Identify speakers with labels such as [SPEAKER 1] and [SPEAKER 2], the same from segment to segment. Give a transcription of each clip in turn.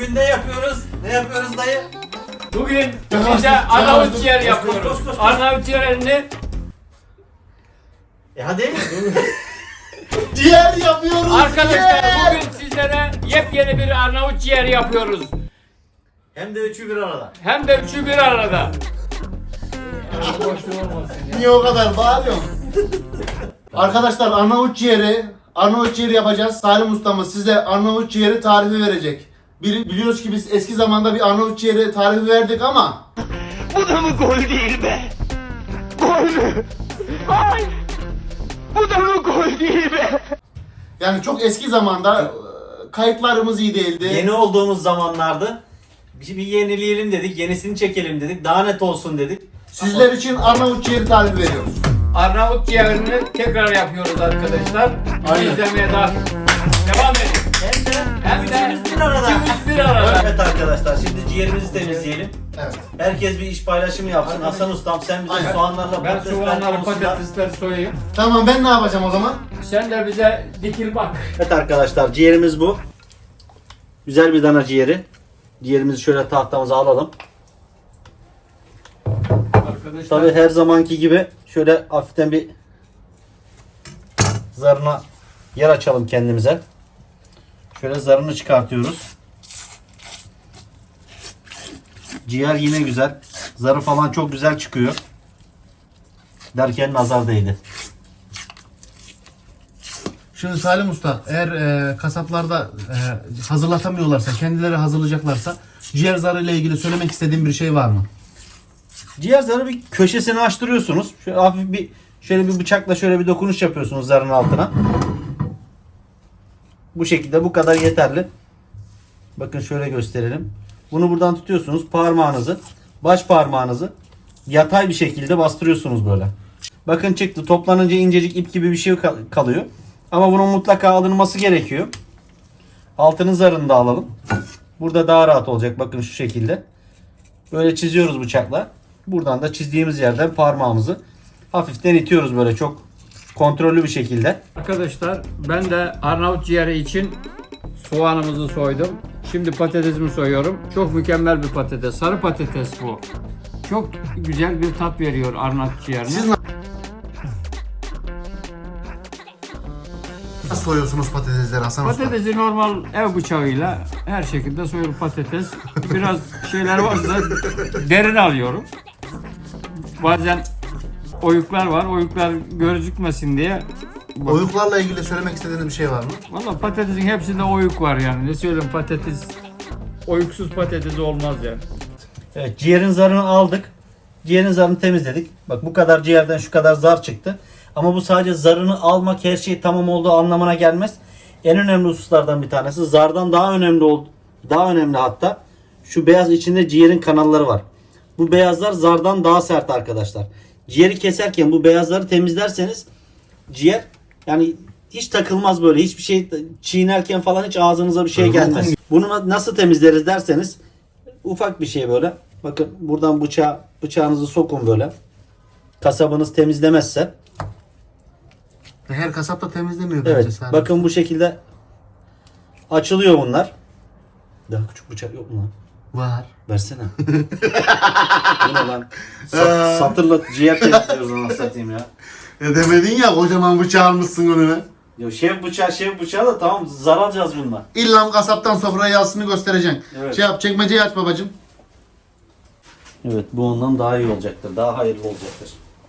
[SPEAKER 1] Bugün ne yapıyoruz? Ne yapıyoruz dayı?
[SPEAKER 2] Bugün size Arnavut ciğer yapıyoruz. Arnavut ciğerini
[SPEAKER 1] Hadi.
[SPEAKER 3] Ciğer yapıyoruz.
[SPEAKER 2] arkadaşlar
[SPEAKER 3] ciğer.
[SPEAKER 2] bugün sizlere yepyeni bir Arnavut ciğeri yapıyoruz.
[SPEAKER 1] Hem de üçü bir arada.
[SPEAKER 2] Hem de üçü bir arada.
[SPEAKER 3] Niye o kadar bağırıyorsun? Arkadaşlar Arnavut ciğeri yapacağız. Salim ustamız size Arnavut ciğeri tarifi verecek. Biliyoruz ki biz eski zamanda bir Arnavut ciğeri tarifi verdik ama
[SPEAKER 4] Bu da mı gol değil be? Gol mü? Ay! Bu da mı gol değil be?
[SPEAKER 3] yani çok eski zamanda kayıtlarımız iyi değildi.
[SPEAKER 1] Yeni olduğumuz zamanlarda bir yenileyelim dedik, yenisini çekelim dedik, daha net olsun dedik.
[SPEAKER 3] Sizler için Arnavut ciğeri tarifi veriyoruz.
[SPEAKER 2] Arnavut ciğerini tekrar yapıyoruz arkadaşlar.
[SPEAKER 3] Aynen.
[SPEAKER 2] İzlemeye daha devam edin.
[SPEAKER 1] Hem de üçümüz bir arada.
[SPEAKER 2] Üçümüz bir arada.
[SPEAKER 1] Evet arkadaşlar, şimdi ciğerimizi temizleyelim.
[SPEAKER 3] Evet.
[SPEAKER 1] Herkes bir iş paylaşımı yapsın. Hasan ustam sen bize
[SPEAKER 3] Aynen.
[SPEAKER 1] soğanlarla
[SPEAKER 2] Ben
[SPEAKER 1] patatesler
[SPEAKER 2] soğanları
[SPEAKER 1] konusunda...
[SPEAKER 2] patatesleri soyayım.
[SPEAKER 3] Tamam ben ne yapacağım o zaman?
[SPEAKER 2] Sen de bize dikil bak.
[SPEAKER 1] Evet arkadaşlar, ciğerimiz bu. Güzel bir dana ciğeri. Ciğerimizi şöyle tahtamıza alalım.
[SPEAKER 2] Arkadaşlar
[SPEAKER 1] Tabii her zamanki gibi şöyle hafiften bir zarına yer açalım kendimize. Şöyle zarını çıkartıyoruz. Ciğer yine güzel. Zarı falan çok güzel çıkıyor. Derken nazar değdi.
[SPEAKER 3] Şimdi Salim Usta eğer kasaplarda hazırlatamıyorlarsa, kendileri hazırlayacaklarsa ciğer zarı ile ilgili söylemek istediğim bir şey var mı?
[SPEAKER 1] Ciğer zarı bir köşesini açtırıyorsunuz. Şöyle hafif bir şöyle bir bıçakla şöyle bir dokunuş yapıyorsunuz zarın altına. Bu şekilde bu kadar yeterli. Bakın şöyle gösterelim. Bunu buradan tutuyorsunuz. Parmağınızı, baş parmağınızı yatay bir şekilde bastırıyorsunuz böyle. Bakın çıktı. Toplanınca incecik ip gibi bir şey kalıyor. Ama bunun mutlaka alınması gerekiyor. Altının zarını da alalım. Burada daha rahat olacak. Bakın şu şekilde. Böyle çiziyoruz bıçakla. Buradan da çizdiğimiz yerden parmağımızı hafiften itiyoruz böyle çok kontrollü bir şekilde.
[SPEAKER 2] arkadaşlar ben de Arnavut ciğeri için soğanımızı soydum. Şimdi patatesimi soyuyorum. Çok mükemmel bir patates. Sarı patates bu. Çok güzel bir tat veriyor Arnavut ciğerine.
[SPEAKER 3] Siz nasıl soyuyorsunuz patatesleri Hasan Usta?
[SPEAKER 2] Patatesi normal ev bıçağıyla her şekilde soyulur patates. Biraz şeyler varsa derin alıyorum. Bazen oyuklar var. Oyuklar gözükmesin diye.
[SPEAKER 3] Oyuklarla ilgili söylemek istediğiniz bir şey var mı?
[SPEAKER 2] Valla patatesin hepsinde oyuk var yani. Ne söyleyeyim patates oyuksuz patates olmaz yani.
[SPEAKER 1] Evet, ciğerin zarını aldık. Ciğerin zarını temizledik. Bak bu kadar ciğerden şu kadar zar çıktı. Ama bu sadece zarını almak her şey tamam olduğu anlamına gelmez. En önemli hususlardan bir tanesi zardan daha önemli hatta şu beyaz içinde ciğerin kanalları var. Bu beyazlar zardan daha sert arkadaşlar. Ciğeri keserken bu beyazları temizlerseniz ciğer yani hiç takılmaz böyle. Hiçbir şey çiğnerken falan hiç ağzınıza bir şey gelmez. Bunu nasıl temizleriz derseniz ufak bir şey böyle. Bakın buradan bıçağınızı sokun böyle. Kasabınız temizlemezse.
[SPEAKER 3] Her kasap da temizlemiyor bence
[SPEAKER 1] Evet.
[SPEAKER 3] Salim
[SPEAKER 1] Bakın bu şekilde açılıyor bunlar. Daha küçük bıçak yok mu lan?
[SPEAKER 3] Var.
[SPEAKER 1] Versene. Bu ne lan? Satırla ciğer temizliyoruz onu satayım ya.
[SPEAKER 3] Demedin ya kocaman bıçağı almışsın önüne.
[SPEAKER 1] Ya şef bıçağı da tamam zar alacağız bununla.
[SPEAKER 3] İlla kasaptan sofraya yazısını göstereceksin.
[SPEAKER 1] Evet.
[SPEAKER 3] Şey yap çekmeceyi aç babacım.
[SPEAKER 1] Evet bu ondan daha iyi olacaktır. Daha hayırlı olacaktır.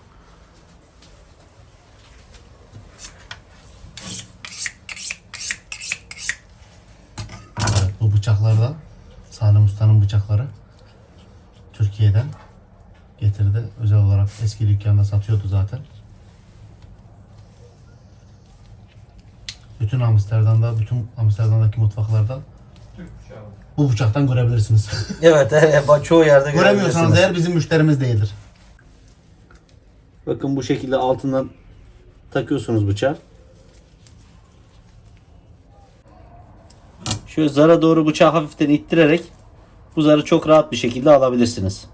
[SPEAKER 3] Bu bıçaklarda Salim Usta'nın bıçakları Türkiye'den getirdi. Özel olarak eski dükkanda satıyordu zaten. Bütün Amsterdam'daki mutfaklarda bu bıçaktan görebilirsiniz.
[SPEAKER 1] Evet çoğu yerde
[SPEAKER 3] Göremiyorsanız
[SPEAKER 1] görebilirsiniz.
[SPEAKER 3] eğer bizim müşterimiz değildir.
[SPEAKER 1] Bakın bu şekilde altından takıyorsunuz bıçağı. Şöyle zara doğru bıçağı hafiften ittirerek bu zarı çok rahat bir şekilde alabilirsiniz.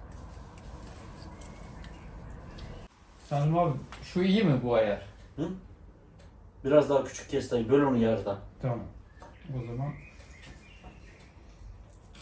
[SPEAKER 2] Salim abi şu iyi mi bu ayar?
[SPEAKER 1] Hı? Biraz daha küçük kes dayı. Böl onu yarıdan.
[SPEAKER 2] Tamam. O zaman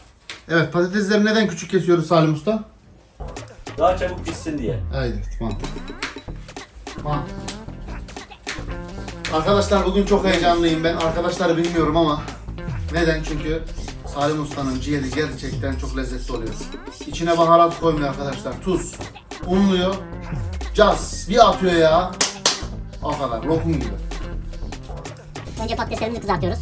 [SPEAKER 3] Evet, patatesleri neden küçük kesiyoruz Salim Usta?
[SPEAKER 1] Daha çabuk pişsin diye.
[SPEAKER 3] Haydi, tamam. Tamam. Arkadaşlar bugün çok heyecanlıyım ben. Arkadaşları bilmiyorum ama neden? Çünkü Salim Usta'nın ciğeri gerçekten çok lezzetli oluyor. İçine baharat koymuyor arkadaşlar. Tuz, unluyor, caz bir atıyor ya. O kadar, lokum gibi.
[SPEAKER 5] Önce patateslerimizi kızartıyoruz.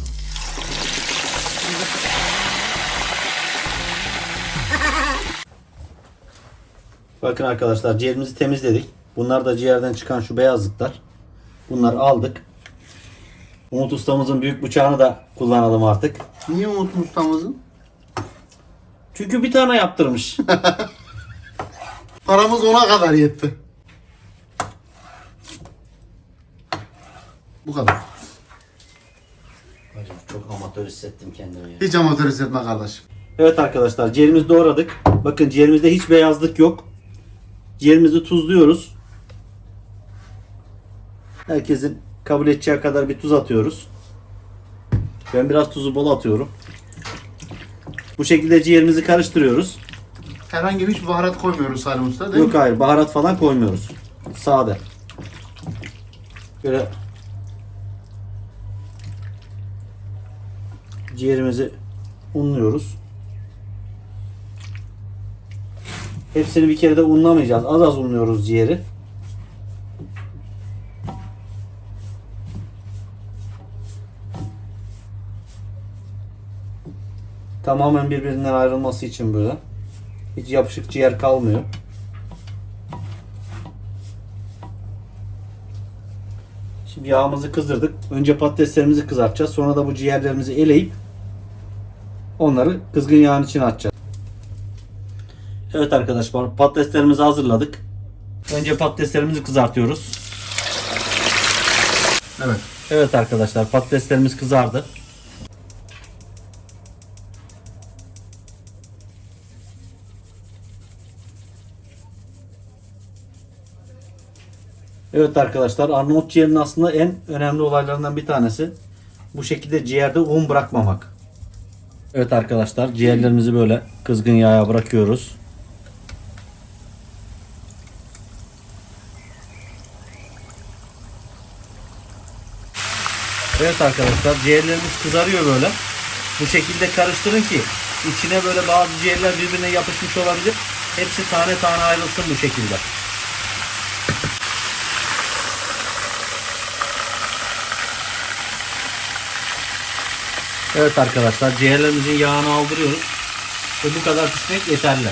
[SPEAKER 1] Bakın arkadaşlar ciğerimizi temizledik. Bunlar da ciğerden çıkan şu beyazlıklar. Bunları aldık. Umut ustamızın büyük bıçağını da kullanalım artık.
[SPEAKER 3] Niye Umut Usta'mızın?
[SPEAKER 1] Çünkü bir tane yaptırmış.
[SPEAKER 3] Paramız ona kadar yetti. Bu kadar.
[SPEAKER 1] Hocam çok amatör hissettim kendimi ya.
[SPEAKER 3] Hiç amatör hissetme kardeşim.
[SPEAKER 1] Evet arkadaşlar ciğerimizi doğradık. Bakın ciğerimizde hiç beyazlık yok. Ciğerimizi tuzluyoruz. Herkesin kabul edeceği kadar bir tuz atıyoruz. Ben biraz tuzu bol atıyorum. Bu şekilde ciğerimizi karıştırıyoruz.
[SPEAKER 3] Herhangi bir hiç baharat koymuyoruz Salim Usta değil
[SPEAKER 1] Yok
[SPEAKER 3] mi?
[SPEAKER 1] hayır baharat falan koymuyoruz. Sade. Böyle ciğerimizi unluyoruz. Hepsini bir kere de unlamayacağız. Az az unluyoruz ciğeri. Tamamen birbirinden ayrılması için böyle. Hiç yapışık ciğer kalmıyor. Şimdi yağımızı kızdırdık. Önce patateslerimizi kızartacağız. Sonra da bu ciğerlerimizi eleyip onları kızgın yağın içine atacağız. Evet arkadaşlar patateslerimizi hazırladık. Önce patateslerimizi kızartıyoruz.
[SPEAKER 3] Evet.
[SPEAKER 1] Evet arkadaşlar patateslerimiz kızardı. Evet arkadaşlar Arnavut ciğerinin aslında en önemli olaylarından bir tanesi bu şekilde ciğerde un bırakmamak. Evet arkadaşlar ciğerlerimizi böyle kızgın yağa bırakıyoruz. Evet arkadaşlar ciğerlerimiz kızarıyor böyle. Bu şekilde karıştırın ki içine böyle bazı ciğerler birbirine yapışmış olabilir. Hepsi tane tane ayrılsın bu şekilde. Evet arkadaşlar ciğerlerimizin yağını aldırıyoruz. Ve bu kadar pişmek yeterli.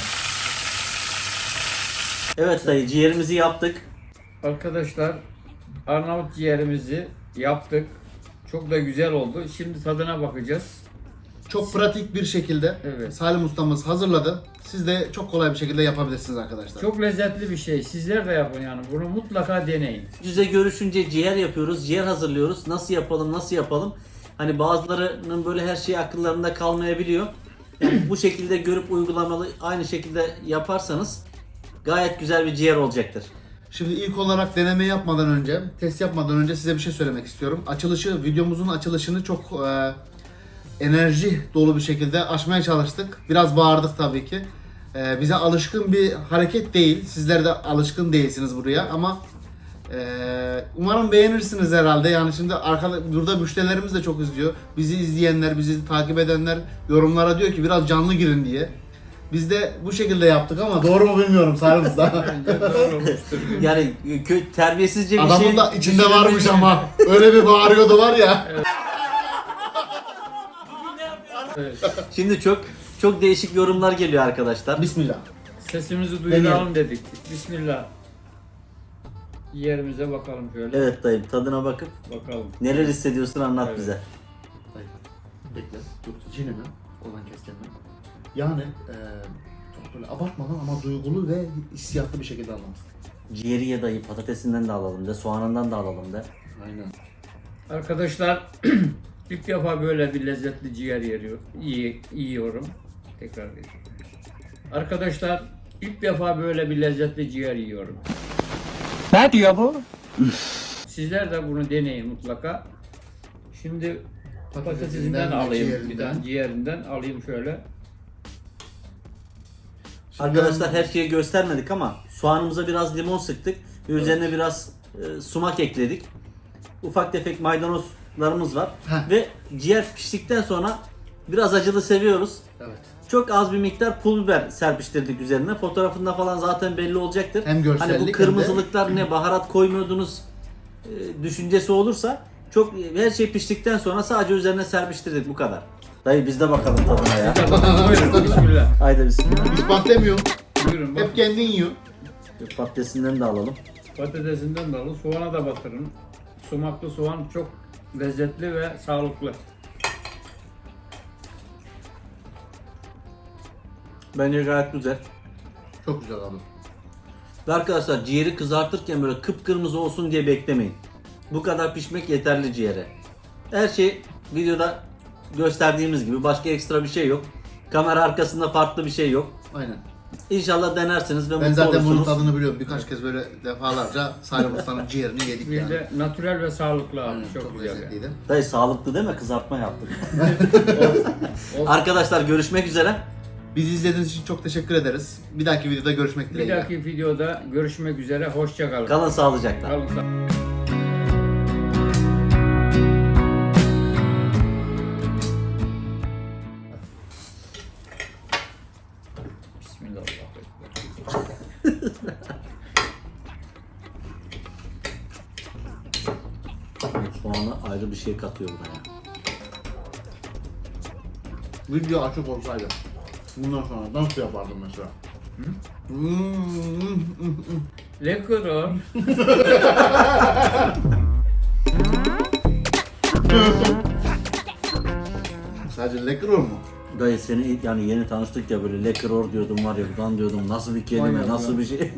[SPEAKER 1] Evet dayı ciğerimizi yaptık.
[SPEAKER 2] Arkadaşlar Arnavut ciğerimizi yaptık. Çok da güzel oldu. Şimdi tadına bakacağız.
[SPEAKER 3] Çok pratik bir şekilde
[SPEAKER 2] Evet.
[SPEAKER 3] Salim Ustamız hazırladı. Siz de çok kolay bir şekilde yapabilirsiniz arkadaşlar.
[SPEAKER 2] Çok lezzetli bir şey. Sizler de yapın yani. Bunu mutlaka deneyin.
[SPEAKER 1] Yüze görüşünce ciğer yapıyoruz, ciğer hazırlıyoruz. Nasıl yapalım, nasıl yapalım? Hani bazılarının böyle her şey akıllarında kalmayabiliyor. Yani bu şekilde görüp uygulamalı aynı şekilde yaparsanız gayet güzel bir ciğer olacaktır.
[SPEAKER 3] Şimdi ilk olarak deneme yapmadan önce, test yapmadan önce size bir şey söylemek istiyorum. Videomuzun açılışını çok enerji dolu bir şekilde açmaya çalıştık. Biraz bağırdık tabii ki. Bize alışkın bir hareket değil. Sizler de alışkın değilsiniz buraya ama umarım beğenirsiniz herhalde. Yani şimdi burada müşterilerimiz de çok izliyor. Bizi izleyenler, bizi takip edenler yorumlara diyor ki biraz canlı girin diye. Biz de bu şekilde yaptık ama doğru mu bilmiyorum Salim Usta.
[SPEAKER 2] Bence doğru olmuştur.
[SPEAKER 1] Yani terbiyesizce bir
[SPEAKER 3] Adamın
[SPEAKER 1] şey...
[SPEAKER 3] da içinde varmış ama öyle bir bağırıyordu var ya.
[SPEAKER 1] Şimdi çok değişik yorumlar geliyor arkadaşlar.
[SPEAKER 3] Bismillah.
[SPEAKER 2] Sesimizi duyuralım dedik. Bismillah. Yerimize bakalım şöyle.
[SPEAKER 1] Evet dayım tadına bakıp
[SPEAKER 2] Bakalım.
[SPEAKER 1] neler hissediyorsun anlat
[SPEAKER 2] Evet.
[SPEAKER 1] bize.
[SPEAKER 3] Bekle. Dur. Cinimi. Oradan keseceğim ben. Yani çok böyle abartmadan ama duygulu ve hissiyatlı bir şekilde anlat.
[SPEAKER 1] Ciğeri ye dayı patatesinden de alalım de, soğanından da alalım de.
[SPEAKER 3] Aynen.
[SPEAKER 2] Arkadaşlar ilk defa böyle bir lezzetli ciğer yiyorum. Tekrar edeyim. Arkadaşlar ilk defa böyle bir lezzetli ciğer yiyorum.
[SPEAKER 4] Ne diyor bu?
[SPEAKER 2] Sizler de bunu deneyin mutlaka. Şimdi patatesinden
[SPEAKER 3] Patatesinden ve
[SPEAKER 2] alayım
[SPEAKER 3] ciğerinden.
[SPEAKER 2] bir tane ciğerinden alayım şöyle.
[SPEAKER 1] Arkadaşlar her şeyi göstermedik ama soğanımıza biraz limon sıktık ve üzerine biraz sumak ekledik. Ufak tefek maydanozlarımız var.
[SPEAKER 3] Heh.
[SPEAKER 1] Ve ciğer piştikten sonra biraz acılı seviyoruz.
[SPEAKER 3] Evet.
[SPEAKER 1] Çok az bir miktar pul biber serpiştirdik üzerine. Fotoğrafında falan zaten belli olacaktır.
[SPEAKER 3] Hem görsellik
[SPEAKER 1] hani bu
[SPEAKER 3] hem
[SPEAKER 1] kırmızılıklar ne, baharat koymuyordunuz düşüncesi olursa çok, her şey piştikten sonra sadece üzerine serpiştirdik, bu kadar. Dayı biz de bakalım tadına ya.
[SPEAKER 2] Buyurun, bismillah.
[SPEAKER 1] Haydi bismillah.
[SPEAKER 3] Biz bak demiyorum.
[SPEAKER 2] Buyurun bak.
[SPEAKER 3] Hep kendin yiyor.
[SPEAKER 1] Patatesinden de alalım.
[SPEAKER 2] Patatesinden de alın, soğana da batırın. Sumaklı soğan çok lezzetli ve sağlıklı.
[SPEAKER 1] Bence gayet güzel.
[SPEAKER 3] Çok güzel abi.
[SPEAKER 1] Ve arkadaşlar ciğeri kızartırken böyle kıpkırmızı olsun diye beklemeyin. Bu kadar pişmek yeterli ciğere. Her şey videoda gösterdiğimiz gibi, başka ekstra bir şey yok. Kamera arkasında farklı bir şey yok.
[SPEAKER 3] Aynen.
[SPEAKER 1] İnşallah denersiniz ve
[SPEAKER 3] Ben
[SPEAKER 1] mutlu
[SPEAKER 3] zaten bunun
[SPEAKER 1] olursunuz.
[SPEAKER 3] tadını biliyorum. Birkaç kez böyle defalarca Salim Usta'nın ciğerini yedik
[SPEAKER 2] Bir
[SPEAKER 3] yani.
[SPEAKER 2] de natürel ve sağlıklı abi.
[SPEAKER 3] Aynen,
[SPEAKER 2] Çok, güzel. Yani.
[SPEAKER 3] lezzetliydi.
[SPEAKER 1] Dayı sağlıklı deme, kızartma yaptık. Arkadaşlar görüşmek üzere.
[SPEAKER 3] Bizi izlediğiniz için çok teşekkür ederiz. Bir dahaki videoda görüşmek
[SPEAKER 2] Bir
[SPEAKER 3] dileğiyle.
[SPEAKER 2] dahaki videoda görüşmek üzere. Hoşça kalın.
[SPEAKER 1] Kalın sağlıcakla.
[SPEAKER 2] Kalın sağ- Bismillahirrahmanirrahim.
[SPEAKER 1] Soğanı ayrı bir şey katıyor buraya.
[SPEAKER 3] Video açık olsaydı bundan sonra dans yapardım mesela.
[SPEAKER 2] Lekırır.
[SPEAKER 3] Sadece lekker olur mu?
[SPEAKER 1] Dayı seni yani yeni tanıştık ya, böyle lekror diyordum var ya, buradan diyordum nasıl bir kelime,
[SPEAKER 2] Manyak
[SPEAKER 1] nasıl
[SPEAKER 2] ya.
[SPEAKER 1] bir şey.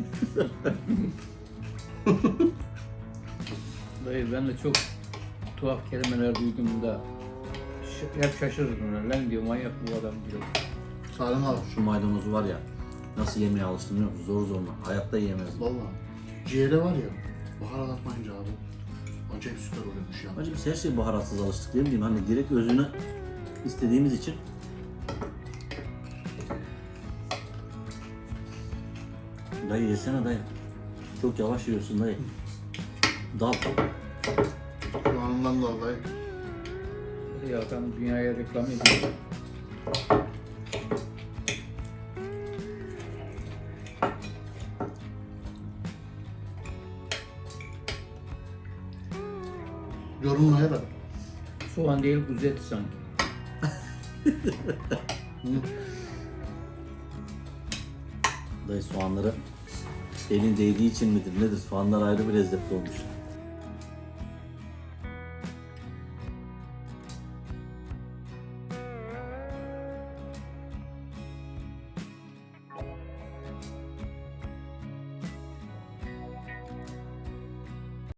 [SPEAKER 2] Dayı ben de çok tuhaf kelimeler duyduğumda hep şaşırırım. Lan diyor, manyak bu adam diyor.
[SPEAKER 3] Salim abi.
[SPEAKER 1] Şu maydanozu var ya, nasıl yemeye alıştım biliyor musun? Zor zorla. Hayatta yiyemezdim.
[SPEAKER 3] Valla. Ciğere var ya. Baharat atmayınca abi. Acayip süper oluyormuş ya.
[SPEAKER 1] Hacı biz her şeye baharatsız alıştık, değil mi? Hani direkt özünü istediğimiz için. Dayı yesene dayı. Çok yavaş yiyorsun dayı. Dal.
[SPEAKER 3] Soğanından dolayı.
[SPEAKER 2] Ya adam dünyaya reklam ediyor.
[SPEAKER 3] Yorumlaya da.
[SPEAKER 2] Soğan değil, kuzu eti sanki.
[SPEAKER 1] Dayı soğanları elin değdiği için midir nedir? Soğanlar ayrı bir lezzetli olmuş.